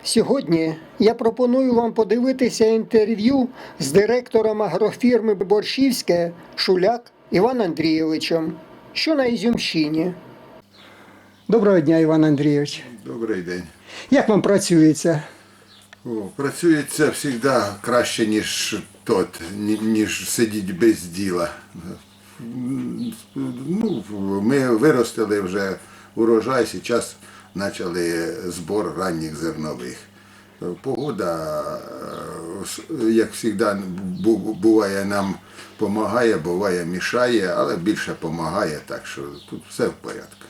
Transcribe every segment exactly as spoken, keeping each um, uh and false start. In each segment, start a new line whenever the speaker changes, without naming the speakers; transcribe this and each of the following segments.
Сьогодні я пропоную вам подивитися інтерв'ю з директором агрофірми Борщівське Шуляк Іваном Андрійовичем, що на Ізюмщині. Доброго дня, Іван Андрійович.
Добрий день.
Як вам працюється?
О, працюється завжди краще, ніж тот, ні- ніж сидіти без діла. Ну, ми виростили вже урожай, зараз почали збор ранніх зернових. Погода, е, як завжди, бу- буває нам допомагає, буває мішає, але більше допомагає, так що тут все в порядку.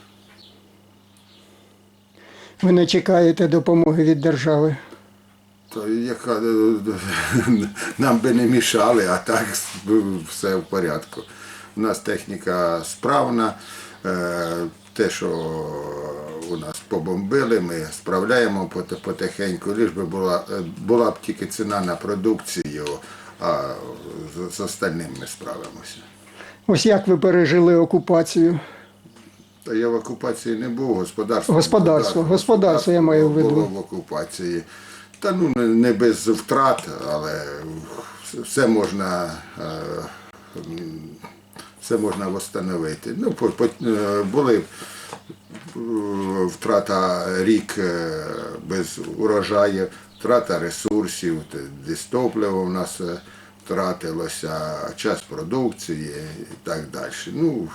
Ви не чекаєте допомоги від держави?
То яка нам би не мішали, а так все в порядку. У нас техніка справна, е, те, що у нас побомбили, ми справляємо поти- потихеньку, лиш би була, була б тільки ціна на продукцію, а з, з остальним ми справимося.
Ось як ви пережили окупацію?
Та я в окупації не був, господарство.
Господарство, господарство я маю в виду.
Було в окупації. Та ну не- не без втрат, але все можна, е, м, все можна встановити. Ну, по- по- е, були е, втрата рік е, без урожаю, втрата ресурсів, т- десь топливо в нас е, втратилося, час продукції і так далі. Ну,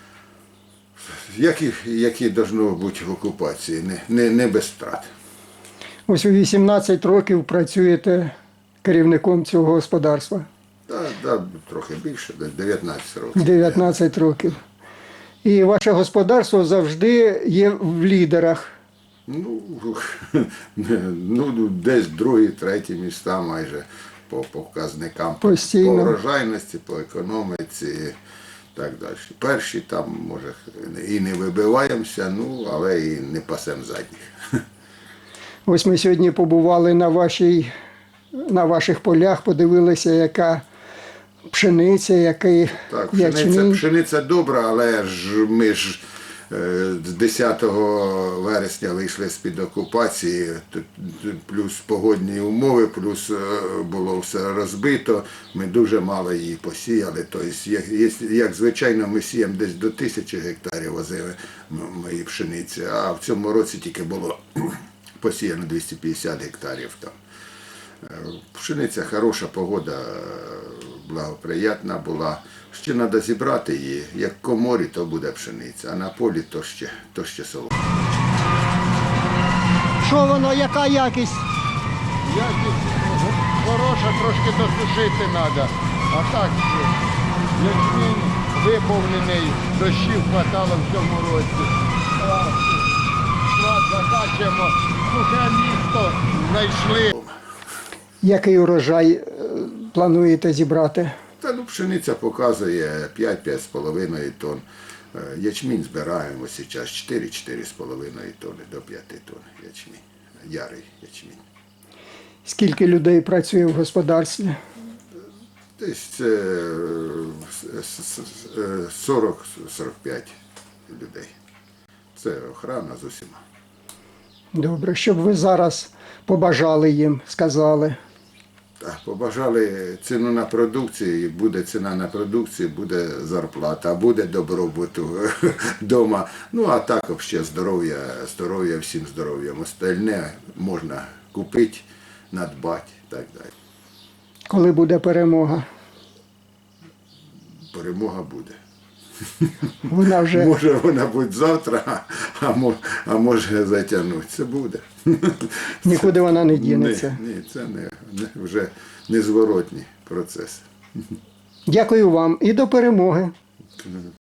які, які должно бути в окупації, не, не, не без втрат.
Ось ви вісімнадцять років працюєте керівником цього господарства.
Так, да, трохи більше, десь дев'ятнадцять років.
дев'ятнадцять років. І ваше господарство завжди є в лідерах.
Ну, ну, десь другі, треті міста майже по показникам.
Постійно.
По врожайності, по економіці і так далі. Перші там, може, і не вибиваємося, ну, але і не пасемо задніх.
Ось ми сьогодні побували на, вашій, на ваших полях, подивилися, яка пшениця, який
Так, пшениця,
ячмінь.
пшениця добра, але ж ми ж е, з десятого вересня вийшли з-під окупації, тут плюс погодні умови, плюс е, було все розбито, ми дуже мало її посіяли. Тобто, як, як, як звичайно, ми сіємо десь до тисячі гектарів возили мої пшениці, а в цьому році тільки було посіяно двісті п'ятдесят гектарів там. Пшениця хороша, погода благоприятна була. Ще треба зібрати її. Як в коморі, то буде пшениця, а на полі то ще, то ще солома.
Що воно, яка якість?
Якість хороша, трошки досушити треба. А так, ячмінь виповнений, дощів хватало в цьому році. А, склад закачуємо, сухе місто знайшли.
Який урожай е, плануєте зібрати?
Та ну, пшениця показує п'ять-п'ять з половиною тонн. Е, Ячмінь збираємо зараз чотири-чотири з половиною тонни до п'яти тонн ячмінь. Ярий ячмінь.
Скільки людей працює в господарстві?
Десь це сорок-сорок п'ять людей. Це охорона з усіма.
Добре, щоб ви зараз побажали їм, сказали.
Так, побажали ціну на продукцію, і буде ціна на продукцію, буде зарплата, буде добробуту вдома. Ну, а так взагалі здоров'я, здоров'я, всім здоров'ям. Остальне можна купити, надбати і так далі.
Коли буде перемога?
Перемога буде.
Вона вже
Може вона буде завтра, а може, а може затягнути. Це буде.
нікуди вона не дінеться.
Ні, ні, це не, не, вже незворотній процес.
Дякую вам і до перемоги.